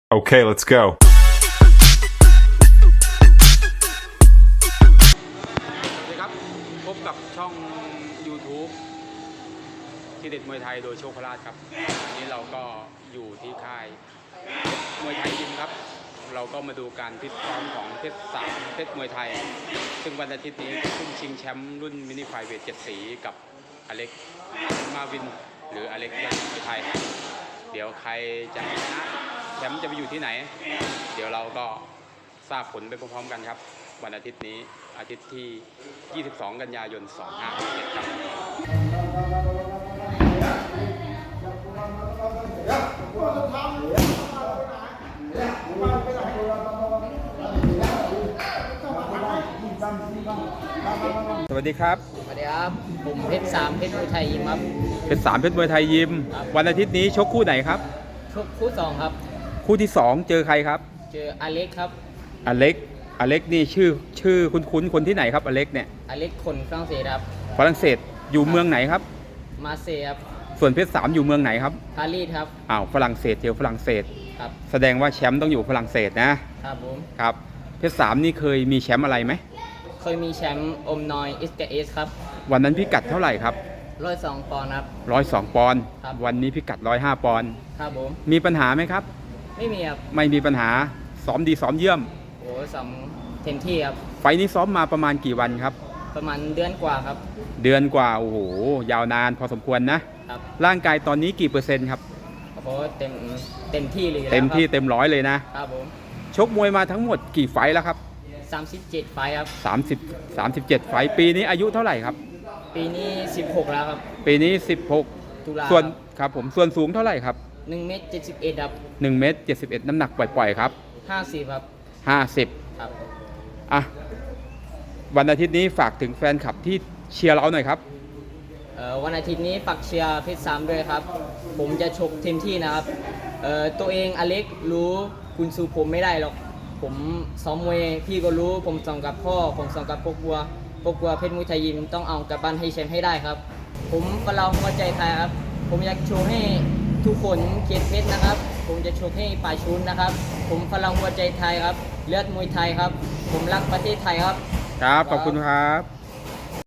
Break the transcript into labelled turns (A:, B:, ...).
A: Okay, let's go.
B: สวัสดีครับพบกับช่อง YouTube ที่เด็ดมวยไทยโดยโชคพลาดครับวันนี้เราก็อยู่ที่ค่ายมวยไทยยิมครับเราก็มาดูการฟิตซ้อมของเพชร3เพชรมวยไทยซึ่งวันอาทิตย์นี้ขึ้นชิงแชมป์รุ่นมินิไฟเวท7 สีกับอเล็กมาวินหรืออเล็กยอดมวยไทยเดี๋ยวใครจะชนะแชมป์จะไปอยู่ที่ไหนเดี๋ยวเราก็ทราบผลไปพร้อมๆกันครับวันอาทิตย์นี้อาทิตย์ที่ 22 กันยายน 2567ครับสวัสดีครับ
C: สวัสดีครับผมเพชร3เพชรมวยไทยยิมครับ
B: เป็น3เพชรมวยไทยยิมวันอาทิตย์นี้ชกคู่ไหนครับ
C: ชกคู่2ครับ
B: คู่ที่2เจอใครครับ
C: เจออเล็กครับ
B: อเล็กนี่ชื่อคุ้นคนที่ไหนครับอเล็กเนี่ย
C: อเล็กคนฝรั่งเศสครับ
B: ฝรั่งเศสอยู่เมืองไหนครับ
C: มาเซย์ครับ
B: ส่วนเพชร3อยู่เมืองไหนครับ
C: ปารีสครับ
B: ฝรั่งเศสเจอฝรั่งเศส
C: ครับ
B: แสดงว่าแชมป์ต้องอยู่ฝรั่งเศสนะครับ
C: ผม
B: ครับเพชร3นี่เคยมีแชมป์อะไรไหม
C: เคยมีแชมป์อมนอยอิสกาเอสครับ
B: วันนั้นพิกัดเท่าไหร่ครับ
C: 102 ปอนด์ครับ
B: 102 ปอนด์วันนี้พิกัด105 ปอนด์
C: ครับผม
B: มีปัญหาไหมครับ
C: ไม่มีครับ
B: ไม่มีปัญหาซ้อมดีซ้อมเยี่ยม
C: โอ้ซ้อมเต็มที่ครับ
B: ไฟนี้ซ้อมมาประมาณกี่วันครับ
C: ประมาณเดือนกว่าครับ
B: เดือนกว่าโอ้โหยาวนานพอสมควรนะครับร่างกายตอนนี้กี่เปอร์เซ็นต์ครับ
C: โอ้โหเต็มที่เลย
B: เต็มที่เต็มร้อยเลยนะครับ
C: ผม
B: ชกมวยมาทั้งหมดกี่ไฟแล้วครับ
C: 37 ไฟครับ
B: 37 ไฟปีนี้อายุเท่าไหร่ครับ
C: ปีนี้16แล้วครับ
B: ปีนี้
C: ตุลา
B: 16ส่วนครับผมส่วนสูงเท่าไหร่ครับ
C: 1 เมตร 71ครับ
B: 1 เมตร 71น้ำหนักปล่อยๆครับ
C: 50ครับ
B: 50
C: ครับ
B: อ่ะวันอาทิตย์นี้ฝากถึงแฟนคลับที่เชียร์เราหน่อยครับ
C: วันอาทิตย์นี้ฝากเชียร์เพชร3ด้วยครับผมจะชกเต็มที่นะครับตัวเองอเล็กรู้คุณสู้ผมไม่ได้หรอกผมซ้อมมวยพี่ก็รู้ผมซ้อมกับพ่อผมซ้อมกับพวกบัวเพชรมวยไทยยิมต้องเอากลับบ้านให้แชมป์ให้ได้ครับผมฝรั่งหัวใจไทยครับผมอยากโชว์ให้ทุกคนเกียรติเพชรนะครับผมจะโชว์ให้ป่าชุนนะครับผมฝรั่งหัวใจไทยครับเลือดมวยไทยครับผมรักประเทศไทยครับ
B: ครับขอบคุณครับ